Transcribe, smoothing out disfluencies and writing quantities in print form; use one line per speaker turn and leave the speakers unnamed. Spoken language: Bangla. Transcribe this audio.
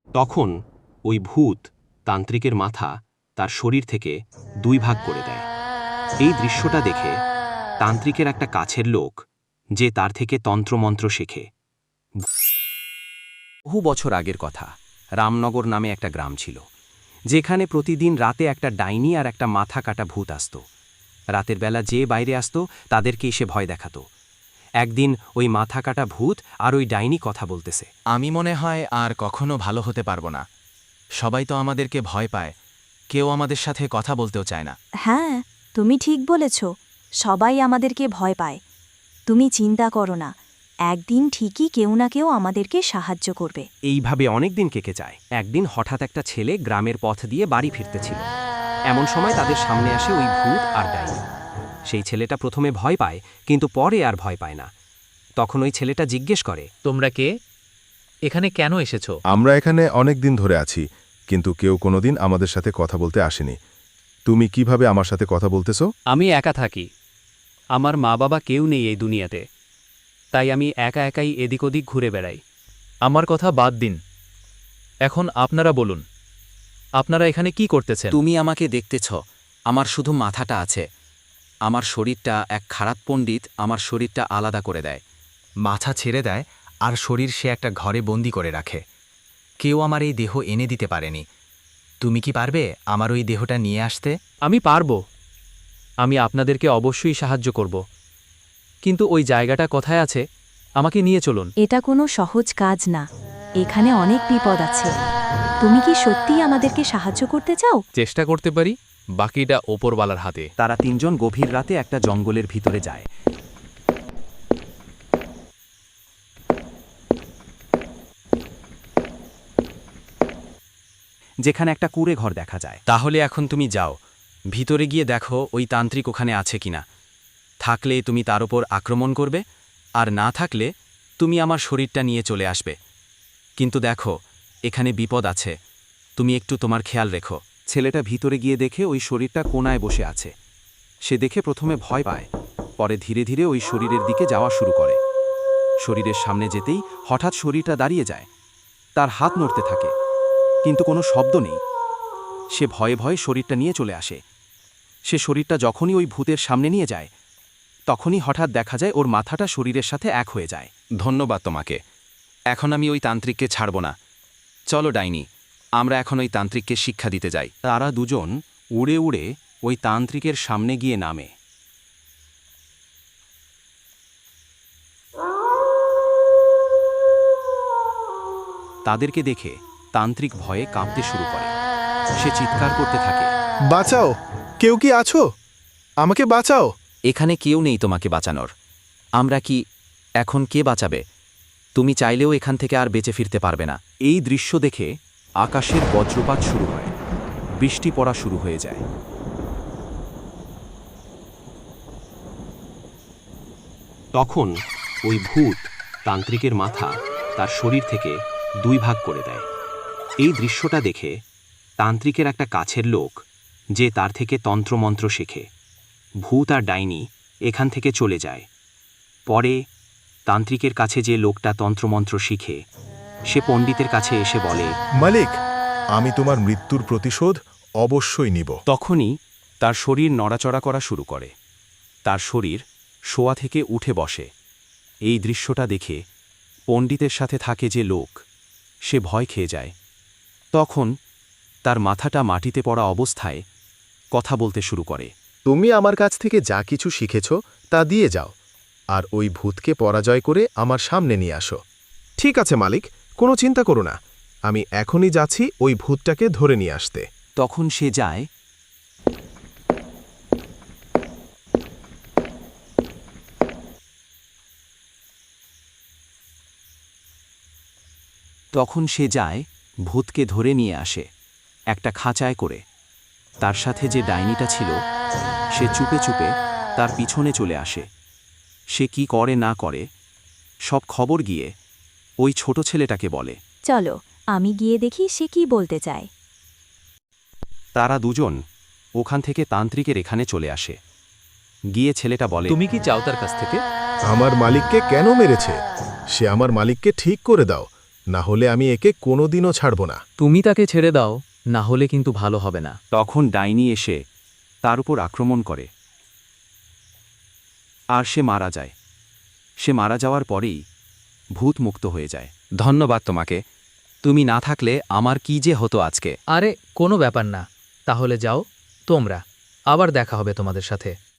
তখন ওই ভূত তান্ত্রিকের মাথা তার শরীর থেকে দুই ভাগ করে দেয়। এই দৃশ্যটা দেখে তান্ত্রিকের একটা কাছের লোক, যে তার থেকে তন্ত্রমন্ত্র শেখে। বহু বছর আগের কথা, রামনগর নামে একটা গ্রাম ছিল, যেখানে প্রতিদিন রাতে একটা ডাইনি আর একটা মাথা কাটা ভূত আসত। রাতের বেলা যে বাইরে আসত তাদেরকে এসে ভয় দেখাত। একদিন ওই মাথা কাটা ভূত আর ওই ডাইনি কথা বলতেছে।
আমি মনে হয় আর কখনো ভালো হতে পারবো না। সবাই তো আমাদেরকে ভয় পায়, কেউ আমাদের সাথে কথা বলতেও চায় না।
হ্যাঁ, তুমি ঠিক বলেছ, সবাই আমাদেরকে ভয় পায়। তুমি চিন্তা করো না, একদিন ঠিকই কেউ না কেউ আমাদেরকে সাহায্য করবে।
এইভাবে অনেক দিন কেটে যায়। একদিন হঠাৎ একটা ছেলে গ্রামের পথ দিয়ে বাড়ি ফিরতেছিল। এমন সময় তাদের সামনে আসে ওই ভূত আর ডাইনি। সেই ছেলেটা প্রথমে ভয় পায়, কিন্তু পরে আর ভয় পায় না। তখন ওই ছেলেটা জিজ্ঞেস করে,
তোমরা কে? এখানে কেন এসেছো?
আমরা এখানে অনেক দিন ধরে আছি, কিন্তু কেউ কোনোদিন আমাদের সাথে কথা বলতে আসেনি। তুমি কিভাবে আমার সাথে কথা বলতেছো?
আমি একা থাকি, আমার মা বাবা কেউ নেই এই দুনিয়াতে, তাই আমি একা একাই এদিক ওদিক ঘুরে বেড়াই। আমার কথা বাদ দিন, এখন আপনারা বলুন, আপনারা এখানে কি করতেছেন?
তুমি আমাকে দেখতেছ, আমার শুধু মাথাটা আছে। আমার শরীরটা এক খারাপ পণ্ডিত আমার শরীরটা আলাদা করে দেয়, মাথা ছেড়ে দেয়, আর শরীর সে একটা ঘরে বন্দি করে রাখে। কেউ আমার এই দেহ এনে দিতে পারেনি। তুমি কি পারবে আমার ওই দেহটা নিয়ে আসতে?
আমি পারব, আমি আপনাদেরকে অবশ্যই সাহায্য করব, কিন্তু ওই জায়গাটা কোথায় আছে আমাকে নিয়ে চলুন।
এটা কোনো সহজ কাজ না, এখানে অনেক বিপদ আছে। তুমি কি সত্যিই আমাদেরকে সাহায্য করতে চাও?
চেষ্টা করতে পারি, বাকিটা ওপরওয়ালার হাতে।
তারা তিনজন গভীর রাতে একটা জঙ্গলের ভিতরে যায়। যেখানে একটা কুঁড়ে ঘর দেখা যায়।
তাহলে এখন তুমি যাও, ভিতরে গিয়ে দেখো ওই তান্ত্রিক ওখানে আছে কিনা। থাকলে তুমি তার ওপর আক্রমণ করবে, আর না থাকলে তুমি আমার শরীরটা নিয়ে চলে আসবে। কিন্তু দেখো, এখানে বিপদ আছে, তুমি একটু তোমার খেয়াল রেখো।
ছেলেটা ভিতরে গিয়ে দেখে ওই শরীরটা কোণায় বসে আছে। সে দেখে প্রথমে ভয় পায়, পরে ধীরে ধীরে ওই শরীরের দিকে যাওয়া শুরু করে। শরীরের সামনে যেতেই হঠাৎ শরীরটা দাঁড়িয়ে যায়। তার হাত নড়তে থাকে, কিন্তু কোনো শব্দ নেই। সে ভয়ে ভয়ে শরীরটা নিয়ে চলে আসে। সে শরীরটা যখনই ওই ভূতের সামনে নিয়ে যায়, তখনই হঠাৎ দেখা যায় ওর মাথাটা শরীরের সাথে এক হয়ে যায়।
ধন্যবাদ তোমাকে, এখন আমি ওই তান্ত্রিককে ছাড়ব না। চলো ডাইনি, আমরা এখন ওই তান্ত্রিককে শিক্ষা দিতে যাই।
তারা দুজন উড়ে উড়ে ওই তান্ত্রিকের সামনে গিয়ে নামে। তাদেরকে দেখে তান্ত্রিক ভয়ে কাঁপতে শুরু করে। সে চিৎকার করতে থাকে,
বাঁচাও, কেউ কি আছো? আমাকে বাঁচাও।
এখানে কেউ নেই তোমাকে বাঁচানোর। আমরা কি এখন কে বাঁচাবে? তুমি চাইলেও এখান থেকে আর বেঁচে ফিরতে পারবে না।
এই দৃশ্য দেখে আকাশের বজ্রপাত শুরু হয়, বৃষ্টি পড়া শুরু হয়ে যায়। তখন ওই ভূত তান্ত্রিকের মাথা তার শরীর থেকে দুই ভাগ করে দেয়। এই দৃশ্যটা দেখে তান্ত্রিকের একটা কাছের লোক, যে তার থেকে তন্ত্রমন্ত্র শেখে, ভূত আর ডাইনি এখান থেকে চলে যায়। পরে তান্ত্রিকের কাছে যে লোকটা তন্ত্রমন্ত্র শিখে, সে পণ্ডিতের কাছে এসে বলে,
মালিক, আমি তোমার মৃত্যুর প্রতিশোধ অবশ্যই নিব।
তখনই তার শরীর নড়াচড়া করা শুরু করে। তার শরীর শোয়া থেকে উঠে বসে। এই দৃশ্যটা দেখে পণ্ডিতের সাথে থাকে যে লোক, সে ভয় খেয়ে যায়। তখন তার মাথাটা মাটিতে পড়া অবস্থায় কথা বলতে শুরু করে।
তুমি আমার কাছ থেকে যা কিছু শিখেছ তা দিয়ে যাও, আর ওই ভূতকে পরাজয় করে আমার সামনে নিয়ে আসো। ঠিক আছে মালিক, কোনো চিন্তা করো না, আমি এখনই যাচ্ছি ওই ভূতটাকে ধরে নিয়ে আসতে।
তখন সে যায়। ভূতকে ধরে নিয়ে আসে একটা খাঁচায় করে। তার সাথে যে ডাইনিটা ছিল, সে চুপে চুপে তার পিছনে চলে আসে। সে কি করে না করে সব খবর গিয়ে ওই ছোট ছেলেটাকে বলে।
চলো, আমি গিয়ে দেখি সে কি বলতে চায়।
তারা দুজন ওখান থেকে তান্ত্রিকের এখানে চলে আসে। গিয়ে ছেলেটা বলে,
তুমি কি চাও তার কাছ থেকে?
আমার মালিককে কেন মেরেছে? সে আমার মালিককে ঠিক করে দাও, না হলে আমি একে কোনোদিনও ছাড়ব না।
তুমি তাকে ছেড়ে দাও, না হলে কিন্তু ভালো হবে না।
তখন ডাইনি এসে তার উপর আক্রমণ করে আর সে মারা যায়। সে মারা যাওয়ার পরেই ভূত মুক্ত হয়ে যায়।
ধন্যবাদ তোমাকে। তুমি না থাকলে আমার কি যে হতো আজকে।
আরে কোনো ব্যাপার না, তাহলে যাও তোমরা, আবার দেখা হবে তোমাদের সাথে।